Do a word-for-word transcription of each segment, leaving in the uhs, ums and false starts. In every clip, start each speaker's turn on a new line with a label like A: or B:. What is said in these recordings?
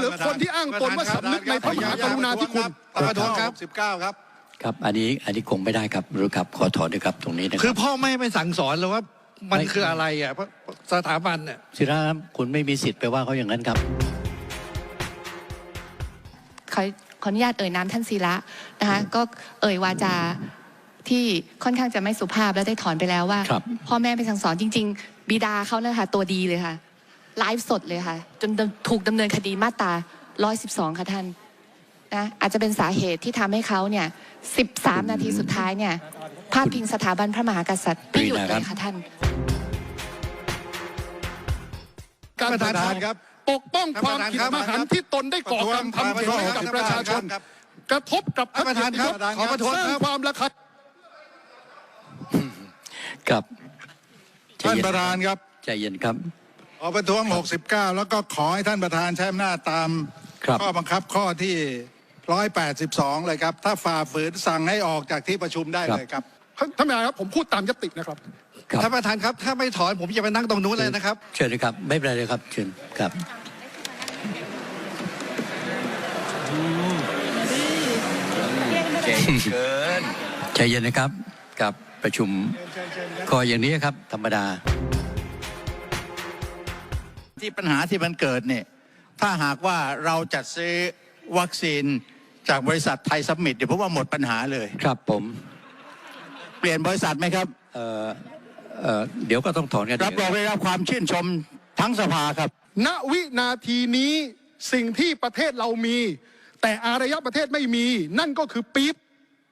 A: รือคนที่อ้างตนว่าสำนึกในพระมหากรุณาธิคุณ
B: ประท้วงครับสิบเก้าครับ
C: ครับอันนี้อันนี้คงไม่ได้ครับรู้ครับขอถอนด้วยครับตรงนี้นะครับ
B: คือพ่อไม่ไม่สั่งสอนเลยว่ามันคืออะไรอ่ะสถาบันเนี่ย
C: ศิระครับคุณไม่มีสิทธิ์ไปว่าเขาอย่างนั้นครับ
D: ขอขออนุญาตเอ่ยนามท่านศิระนะคะก็เอ่ยวาจาที่ค่อนข้างจะไม่สุภาพและได้ถอนไปแล้วว่าพ่อแม่ไปสั่งสอนจริงๆบิดาเขาเนี่ยค่ะตัวดีเลยค่ะไลฟ์สดเลยค่ะจนถูกดำเนินคดีมาตราหนึ่งร้อยสิบสองค่ะท่านนะอาจจะเป็นสาเหตุที่ทำให้เขาเนี่ยสิบสามนาทีสุดท้ายเนี่ยพาดพิงสถาบันพระมหากษัตริย์ไม่หยุดเลยค่ะท่าน
A: การประธานครับปกป้องความผิดมหันต์ที่ตนได้ก่อกรรมทำขึ้นให้กับประชาชนกระทบกับพระเกียรติยศสร้างความระคาย
C: ครับ
B: ท่านประธานครับ
C: ใจเย็นครับ
B: ขอประท้วงหกสิบเก้าแล้วก็ขอให้ท่านประธานใช้อำนาจตามข้อบังคับข้อที่หนึ่งร้อยแปดสิบสองเลยครับถ้าฝ่าฝืนสั่งให้ออกจากที่ประชุมได้เลยครับ
A: ท่านประธานครับผมพูดตามยตินะครับ
B: ท่านประธานครับถ้าไม่ถอนผมจะไปนั่งตรงนู้นเลยนะครับ
C: เชิญเลยครับไม่เป็นไรเลยครับเชิญครับเกินใจเย็นนะครับกับประชุมก็อย่างนี้ครับธรรมดา
B: ที่ปัญหาที่มันเกิดเนี่ยถ้าหากว่าเราจัดซื้อวัคซีนจากบริษัทไทยซัมมิตเดี๋ยวผมว่าหมดปัญหาเลย
C: ครับผม
B: เปลี่ยนบริษัทไหมครับ
C: เอ่อเอ่อเดี๋ยวก็ต้องถอนกัน
B: รับรองได้รับความชื่นชมทั้งสภาครับ
A: ณวินาทีนี้สิ่งที่ประเทศเรามีแต่อารยประเทศไม่มีนั่นก็คือปี๊บ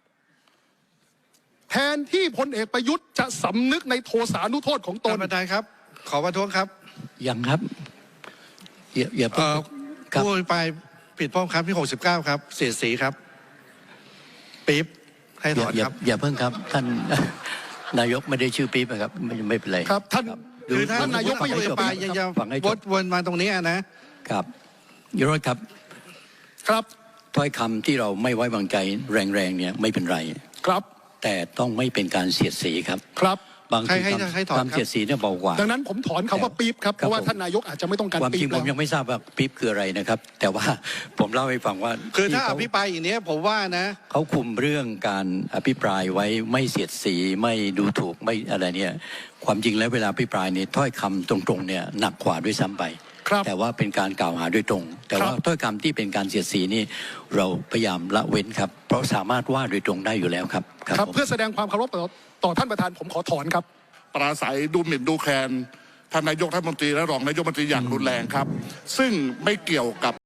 A: แทนที่พลเอกประยุทธ์จะสำนึกในโทสานุโทษของตน
B: ท่านประธานครับขอประท้วงครับ
C: ยังครับอย่าอย่า
B: เอ่อผู้อภิปรายผิดข้อบังคับที่หกสิบเก้าครับเสียดสีครับปี๊บให้ถอนครับ
C: อย่าเพิ่งครับท่านนายกไม่ได้ชื่อปี๊บนะครับไม่ไม่เป็นไร
A: ครับท่าน
B: คือท่านนายกไม่อภิปรายยังจะวดวนมาตรงนี้นะครับ
C: ยุโรปครับ
A: ครับ
C: ถ้อยคำที่เราไม่ไว้วางใจแรงๆเนี่ยไม่เป็นไร
A: ครับ
C: แต่ต้องไม่เป็นการเสียดสีครับ
A: ครับ
C: บางทีความเสียดสีเนี่ยเบากว่า
A: ดังนั้นผมถอนคำว่าปี๊บครับเพราะว่าท่านนายกอาจจะไม่ต้องการปี๊บ
C: ความจริงผมยังไม่ทราบว่าปี๊บคืออะไรนะครับแต่ว่าผมเล่าให้ฟังว่า
B: คือถ้าอภิปรายอย่างนี้ผมว่านะ
C: เขาคุมเรื่องการอภิปรายไว้ไม่เสียดสีไม่ดูถูกไม่อะไรเนี่ยความจริงแล้วเวลาอภิปรายเนี่ยถ้อยคำตรงๆเนี่ยหนักกว่าด้วยซ้ำไปแต่ว่าเป็นการกล่าวหาโดยตรงแต่ว่าถ้อยคำที่เป็นการเสียดสีนี่เราพยายามละเว้นครับเพราะสามารถว่าโดยตรงได้อยู่แล้วครับ
A: ครับเพื่อแสดงความเคารพต่อท่านประธานผมขอถอนครับ
E: ปราศัยดูหมิ่นดูแคลนท่านนายกรัฐมนตรีและรองนายกรัฐมนตรีอย่างรุนแรงครับซึ่งไม่เกี่ยวกับ